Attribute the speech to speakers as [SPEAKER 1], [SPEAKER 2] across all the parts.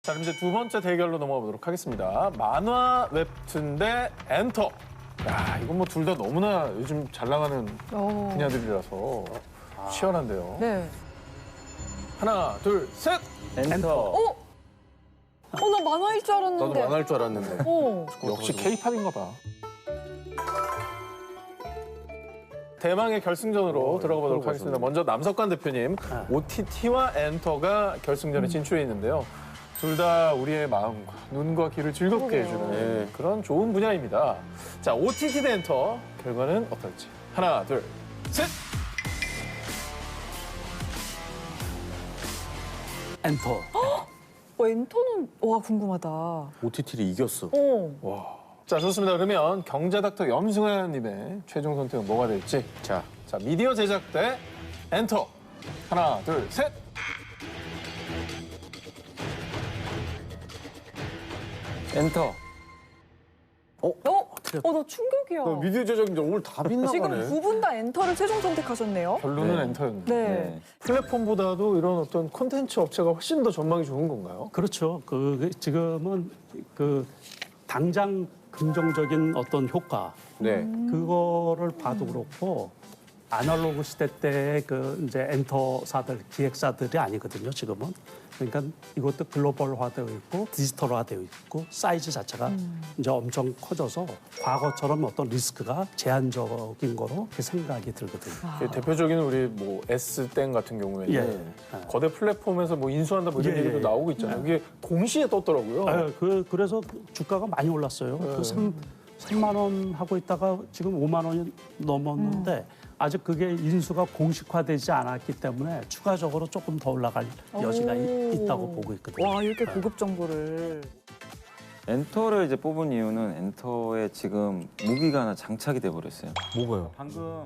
[SPEAKER 1] 자, 그럼 이제 두 번째 대결로 넘어가 보도록 하겠습니다. 만화 웹툰 대 엔터. 야, 이건 뭐 둘 다 너무나 요즘 잘 나가는 분야들이라서 치열한데요.
[SPEAKER 2] 네.
[SPEAKER 1] 하나, 둘, 셋!
[SPEAKER 3] 엔터.
[SPEAKER 2] 나 만화일 줄 알았는데.
[SPEAKER 3] 나도 만화일 줄 알았는데.
[SPEAKER 1] 역시 케이팝인가 봐. 대망의 결승전으로 들어가 보도록 하겠습니다. 먼저 남석관 대표님, OTT와 엔터가 결승전에 진출해 있는데요. 둘 다 우리의 마음과 눈과 귀를 즐겁게 해주는 그런 좋은 분야입니다. 자, OTT 대 엔터 결과는 어떨지. 하나, 둘, 셋!
[SPEAKER 3] 엔터.
[SPEAKER 2] 엔터는 궁금하다.
[SPEAKER 3] OTT를 이겼어.
[SPEAKER 1] 자, 좋습니다. 그러면 경제닥터 염승환님의 최종 선택은 뭐가 될지. 자, 미디어 제작 대 엔터. 하나, 둘, 셋!
[SPEAKER 3] 엔터.
[SPEAKER 2] 나 충격이야.
[SPEAKER 3] 미디어 제작인데 오늘 다 빗나가네.
[SPEAKER 2] 지금 두 분 다 엔터를 최종 선택하셨네요.
[SPEAKER 1] 결론은 엔터였네요.
[SPEAKER 2] 네.
[SPEAKER 1] 플랫폼보다도 이런 어떤 콘텐츠 업체가 훨씬 더 전망이 좋은 건가요?
[SPEAKER 4] 그렇죠. 지금은 당장 긍정적인 어떤 효과
[SPEAKER 3] 네.
[SPEAKER 4] 그거를 봐도 그렇고 아날로그 시대 때 이제 엔터사들 기획사들이 아니거든요. 지금은 그러니까 이것도 글로벌화되어 있고 디지털화되어 있고 사이즈 자체가 이제 엄청 커져서 과거처럼 어떤 리스크가 제한적인 거로 그렇게 생각이 들거든요.
[SPEAKER 1] 대표적인 우리 뭐 S땡 같은 경우에는
[SPEAKER 4] 예.
[SPEAKER 1] 거대 플랫폼에서 뭐 인수한다 뭐 이런 얘기도 나오고 있잖아요. 이게 동시에 떴더라고요.
[SPEAKER 4] 그래서 주가가 많이 올랐어요. 3만 원 하고 있다가 지금 5만 원이 넘었는데 아직 그게 인수가 공식화되지 않았기 때문에 추가적으로 조금 더 올라갈 여지가 있다고 보고 있거든요.
[SPEAKER 2] 와, 이렇게 고급 정보를.
[SPEAKER 5] 엔터를 이제 뽑은 이유는 엔터에 지금 무기가 하나 장착이 돼 버렸어요.
[SPEAKER 3] 뭐가요?
[SPEAKER 5] 방금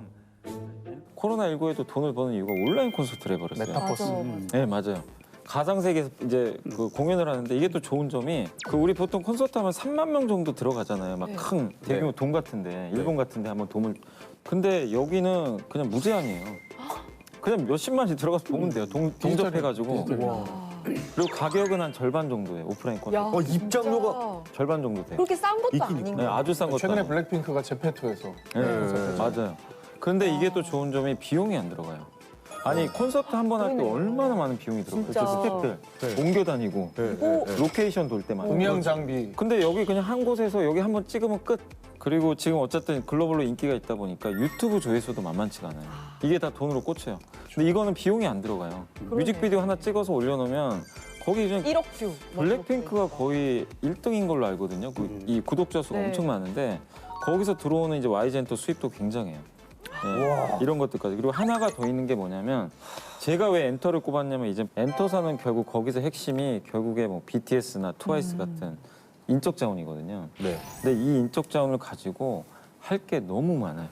[SPEAKER 5] 코로나19에도 돈을 버는 이유가 온라인 콘서트를 해버렸어요.
[SPEAKER 1] 메타버스.
[SPEAKER 5] 네, 맞아요. 가상 세계에서 이제 공연을 하는데 이게 또 좋은 점이 우리 보통 콘서트 하면 3만 명 정도 들어가잖아요. 막 큰 대규모 돔 같은데 일본 같은데 한번 돔을 근데 여기는 그냥 무제한이에요. 그냥 몇십만이 들어가서 보면 돼요. 동접해가지고. 그리고 가격은 한 절반 정도예요. 오프라인 콘서트.
[SPEAKER 3] 입장료가
[SPEAKER 5] 절반 정도 돼요.
[SPEAKER 2] 그렇게 싼 것도 아닌
[SPEAKER 5] 네,
[SPEAKER 2] 거.
[SPEAKER 5] 아주 싼 것도
[SPEAKER 1] 최근에
[SPEAKER 5] 아니고.
[SPEAKER 1] 블랙핑크가 제페토에서
[SPEAKER 5] 네, 맞아요. 그런데 이게 또 좋은 점이 비용이 안 들어가요. 아니 콘서트 한 번 할 때 얼마나 많은 비용이 들어가요.
[SPEAKER 2] 진짜.
[SPEAKER 5] 스태프들 옮겨 다니고 로케이션 돌 때마다.
[SPEAKER 1] 음향 장비.
[SPEAKER 5] 근데 여기 그냥 한 곳에서 여기 한 번 찍으면 끝. 그리고 지금 어쨌든 글로벌로 인기가 있다 보니까 유튜브 조회수도 만만치가 않아요. 이게 다 돈으로 꽂혀요. 근데 이거는 비용이 안 들어가요. 뮤직비디오 하나 찍어서 올려놓으면 거기 이제
[SPEAKER 2] 1억 뷰.
[SPEAKER 5] 블랙핑크가 거의 1등인 걸로 알거든요. 이 구독자 수가 엄청 많은데 거기서 들어오는 이제 YG엔터 수입도 굉장해요. 네, 이런 것들까지. 그리고 하나가 더 있는 게 뭐냐면 제가 왜 엔터를 꼽았냐면 이제 엔터사는 결국 거기서 핵심이 결국에 뭐 BTS나 트와이스 같은 인적 자원이거든요.
[SPEAKER 3] 네.
[SPEAKER 5] 근데 이 인적 자원을 가지고 할 게 너무 많아요.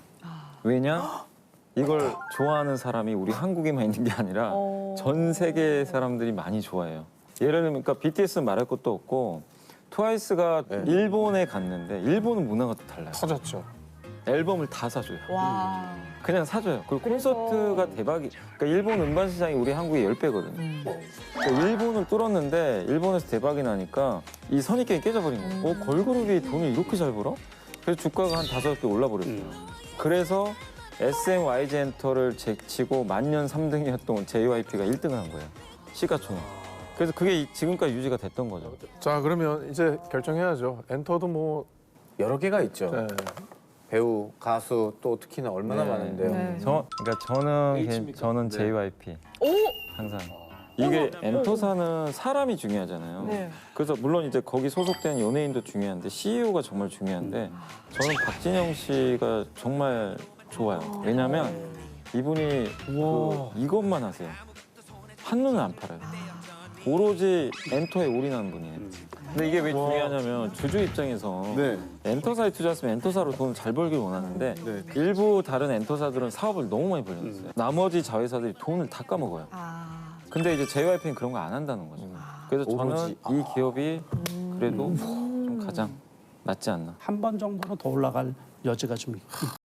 [SPEAKER 5] 왜냐? 이걸 좋아하는 사람이 우리 한국에만 있는 게 아니라 전 세계 사람들이 많이 좋아해요. 예를 들면 그러니까 BTS는 말할 것도 없고 트와이스가 일본에 갔는데 일본은 문화가 또 달라요.
[SPEAKER 1] 터졌죠.
[SPEAKER 5] 앨범을 다 사줘요.
[SPEAKER 2] 와.
[SPEAKER 5] 그냥 사줘요. 그리고 콘서트가 대박이. 그러니까 일본 음반 시장이 우리 한국의 10배거든요. 그러니까 일본을 뚫었는데 일본에서 대박이 나니까 이 선입견이 깨져버린 거예요. 걸그룹이 돈을 이렇게 잘 벌어? 그래서 주가가 한 5배 올라버렸어요. 그래서 SM YG엔터를 제치고 만년 3등이었던 JYP가 1등을 한 거예요. 시가총액. 그래서 그게 지금까지 유지가 됐던 거죠.
[SPEAKER 1] 자, 그러면 이제 결정해야죠. 엔터도 뭐
[SPEAKER 3] 여러 개가 있죠.
[SPEAKER 1] 네.
[SPEAKER 3] 배우, 가수 또 특히나 얼마나
[SPEAKER 5] 네.
[SPEAKER 3] 많은데요.
[SPEAKER 2] 네.
[SPEAKER 5] 그러니까 저는 JYP. 항상. 이게 엔터사는 사람이 중요하잖아요.
[SPEAKER 2] 네.
[SPEAKER 5] 그래서 물론 이제 거기 소속된 연예인도 중요한데 CEO가 정말 중요한데 저는 박진영 씨가 정말 좋아요. 왜냐면 이분이 이것만 하세요. 한눈은 안 팔아요. 오로지 엔터에 올인하는 분이에요. 근데 이게 왜 중요하냐면 주주 입장에서 엔터사에 투자했으면 엔터사로 돈을 잘 벌길 원하는데 일부 다른 엔터사들은 사업을 너무 많이 벌렸어요. 나머지 자회사들이 돈을 다 까먹어요. 근데 이제 JYP는 그런 거 안 한다는 거죠. 그래서 저는 이 기업이 그래도 좀 가장 낫지 않나.
[SPEAKER 4] 한 번 정도는 더 올라갈 여지가 좀 있고.